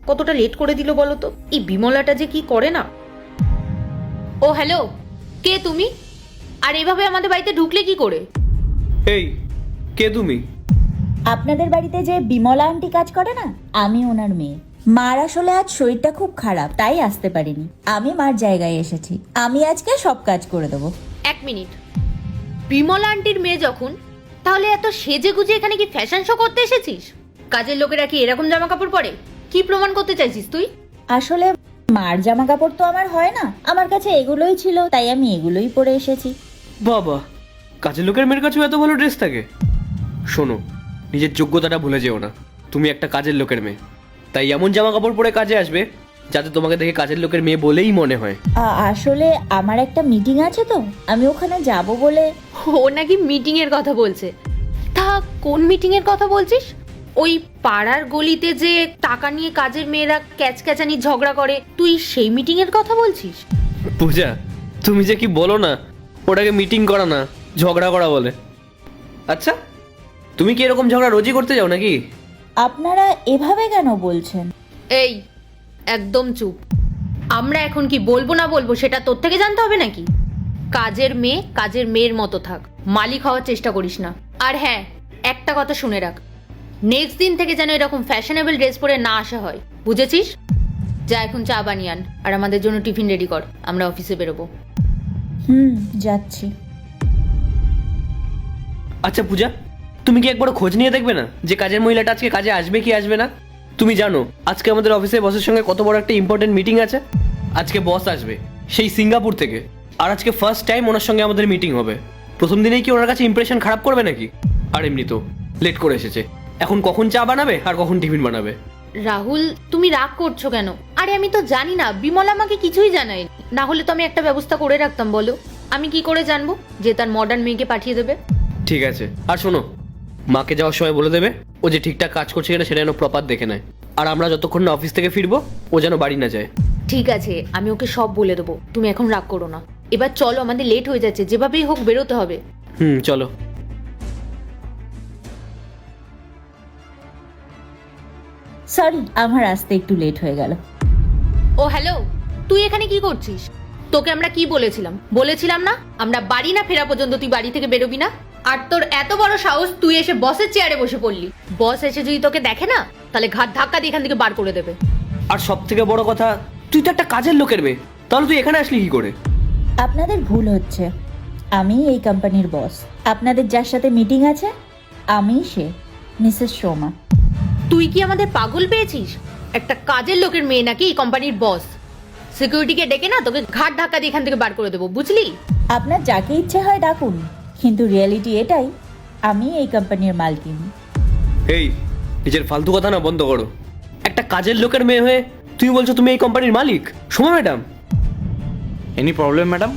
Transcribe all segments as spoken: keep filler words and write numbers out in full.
কতটা লেট করে দিল বলো তো। এই বিমলাটা যে কি করে না। ও হ্যালো, কে তুমি? আর এভাবে আমাদের বাড়িতে ঢুকলে কি করে? এই কে তুমি? আপনাদের বাড়িতে যে বিমলা আন্টি কাজ করে না, আমি ওনার মেয়ে। মার আসলে আজ শরীরটা খুব খারাপ, তাই আসতে পারিনি। আমি মার জায়গায় এসেছি। আমি আজকে সব কাজ করে দেবো। এক মিনিট, বিমলা আন্টির মেয়ে যখন, তাহলে এত সেজে গুজে এখানে কি ফ্যাশন শো করতে এসেছিস? কাজের লোকেরা কি এরকম জামা কাপড় পরে? কি প্রমাণ করতে চাইছিস তুই? আসলে মার জামা কাপড় তো আমার হয় না, আমার কাছে এগুলোই ছিল, তাই আমি এগুলোই পরে এসেছি। বাবা, কাজের লোকের মেয়ের কাছেও এত ভালো ড্রেস থাকে? শোনো, নিজের যোগ্যতাটা ভুলে যেও না। তুমি একটা কাজের লোকের মেয়ে, তাই এমন জামা কাপড় পরে কাজে আসবে যাতে তোমাকে দেখে কাজের লোকের মেয়ে বলেই মনে হয়। আ- আসলে আমার একটা মিটিং আছে তো, আমি ওখানে যাব বলে। ও নাকি মিটিং এর কথা বলছে। তা কোন মিটিং এর কথা বলছিস? ওই পাড়ার গলিতে যে টাকা নিয়ে কাজের মেয়েরা ক্যাচক্যাচানি ঝগড়া করে, তুই সেই মিটিং এর কথা বলছিস? পূজা, তুমি যে কি বলো না, ওটাকে মিটিং করা না, ঝগড়া করা বলে। আচ্ছা, তুমি কি এরকম ঝগড়া রোজই করতে যাও নাকি? আপনারা এভাবে কেন বলছেন? এই একদম চুপ। আমরা এখন কি বলবো না বলবো সেটা তোর থেকে জানতে হবে নাকি? কাজের মেয়ে কাজের মেয়ের মতো থাক, মালিক হওয়ার চেষ্টা করিস না। আর হ্যাঁ, একটা কথা শুনে রাখ, নেক্সট দিন থেকে যেন এরকম ফ্যাশনেবল ড্রেস পরে না আসা হয়, বুঝেছিস? যা এখন চা বানিয়ে আন, আর আমাদের জন্য টিফিন রেডি কর, আমরা অফিসে বেরোবো। হুম, যাচ্ছি। আচ্ছা পূজা, তুমি কি একবার খোঁজ নিয়ে দেখবে না যে কাজের মহিলাটা আজকে কাজে আসবে কি আসবে না? তুমি জানো আজকে আমাদের অফিসে বসের সঙ্গে কত বড় একটা ইম্পর্টেন্ট মিটিং আছে। আজকে বস আসবে সেই সিঙ্গাপুর থেকে, আর আজকে ফার্স্ট টাইম ওনার সঙ্গে আমাদের মিটিং হবে। প্রথম দিনেই কি ওনার কাছে ইমপ্রেশন খারাপ করবে নাকি? আর এমনি তো লেট করে এসেছে, এখন কখন চা বানাবে আর কখন টিফিন বানাবে। রাহুল, তুমি রাগ করছো কেন? আরে আমি তো জানি না, বিমলা আমাকে কিছুই জানায় না। হলে তো আমি একটা ব্যবস্থা করে রাখতাম। বলো, আমি কি করে জানবো যে তার মডার্ন মেয়েকে পাঠিয়ে দেবে? ঠিক আছে, আর শোনো, মাকে যাওয়ার সময় বলে দেবে ও যে ঠিকঠাক কাজ করছে কিনা সেটা যেন প্রপার দেখে নেয়। আর আমরা যতক্ষণ না অফিস থেকে ফিরবো ও যেন বাড়ি না যায়। ঠিক আছে, আমি ওকে সব বলে দেবো। তুমি এখন রাগ করো না। এবার চলো, আমাদের লেট হয়ে যাচ্ছে, যেভাবেই হোক বেরোতে হবে। হুম, চলো। সরি, আমার আসতে একটু লেট হয়ে গেল। ও হ্যালো, তুই এখানে কি করছিস? তোকে আমরা কি বলেছিলাম? বলেছিলাম না আমরা বাড়ি না ফেরা পর্যন্ত তুই বাড়ি থেকে বেরোবি না। আর তোর এত বড় সাহস, তুই এসে বসের চেয়ারে বসে পড়লি। বস এসে যদি তোকে দেখে না, তাহলে ঘাট ধাক্কা দিয়ে এখান থেকে বার করে দেবে। আর সব থেকে বড় কথা, তুই তো একটা কাজের লোকের মেয়ে, তাহলে তুই এখানে আসলি কি করে? আপনাদের ভুল হচ্ছে। আমি এই কোম্পানির বস। আপনাদের যার সাথে মিটিং আছে, আমি সে, মিসেস শর্মা। তুই কি আমাদের পাগল পেয়েছিস? একটা কাজের লোকের মেয়ে নাকি এই কোম্পানির বস? সিকিউরিটিকে ডেকে না তোকে ঘাট ধাক্কা দিয়ে এখান থেকে বার করে দেবো, বুঝলি? আপনার যাকে ইচ্ছে হয় ডাকুন, কিন্তু রিয়েলিটি এটাই, আমি এই কোম্পানির মালকিন। এই নিজের ফালতু কথা না বন্ধ করো। একটা কাজের লোকের মেয়ে হয়ে তুমি বলছো তুমি এই কোম্পানির মালিক? Soma madam, any problem madam?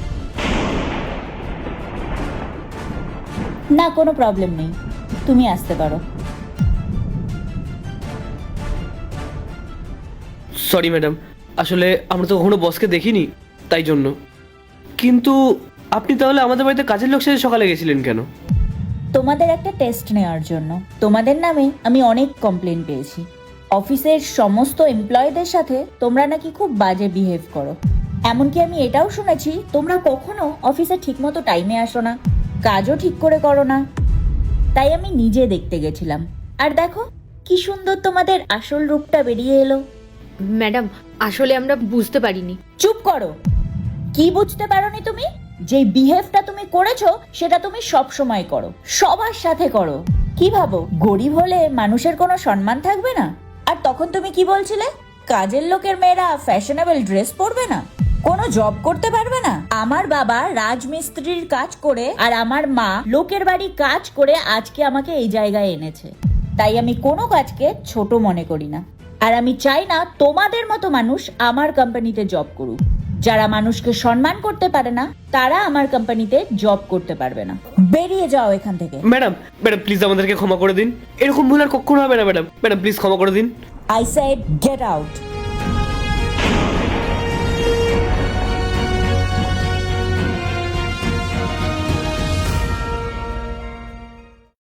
না, কোনো প্রবলেম নেই, তুমি আসতে পারো। সরি ম্যাডাম, আসলে আমরা তো কখনো বসকে দেখিনি, তাই জন্য। কিন্তু আপনি তাহলে আমাদের বাড়িতে কাজের লোক সাথে সকালে গেছিলেন কেন? তোমাদের একটা টেস্ট নেওয়ার জন্য। তোমাদের নামে আমি অনেক কমপ্লেন পেয়েছি। অফিসের সমস্ত এমপ্লয়ীদের সাথে তোমরা নাকি খুব বাজে বিহেভ করো। এমনকি আমি এটাও শুনেছি তোমরা কখনো অফিসে ঠিকমতো টাইমে আসো না, কাজও ঠিক করে করো না। তাই আমি নিজে দেখতে গেছিলাম, আর দেখো কি সুন্দর তোমাদের আসল রূপটা বেরিয়ে এলো। ম্যাডাম, আসলে আমরা বুঝতে পারিনি। চুপ করো। কি বুঝতে পারোনি তুমি? যে বিহেভটা তুমি করেছো সেটা তুমি সব সময় করো, সবার সাথে করো। কি ভাবো গরিব হলে মানুষের কোনো সম্মান থাকবে না? আর তখন তুমি কি বলছিলে? কাজের লোকের মেয়েরা ফ্যাশনেবল ড্রেস পরবে না, কোনো জব করতে পারবে না। আমার বাবা রাজমিস্ত্রির কাজ করে আর আমার মা লোকের বাড়ি কাজ করে আজকে আমাকে এই জায়গায় এনেছে। তাই আমি কোনো কাজকে ছোট মনে করি না। আর আমি চাই না তোমাদের মতো মানুষ আমার কোম্পানিতে জব করুক। যারা মানুষকে সম্মান করতে পারে না তারা আমার কোম্পানিতে জব করতে পারবে না। বেরিয়ে যাও এখান থেকে। ম্যাডাম, ম্যাডাম প্লিজ আমাদেরকে ক্ষমা করে দিন। এরকম ভুল আর কখনো হবে না ম্যাডাম। ম্যাডাম প্লিজ ক্ষমা করে দিন। I said get out.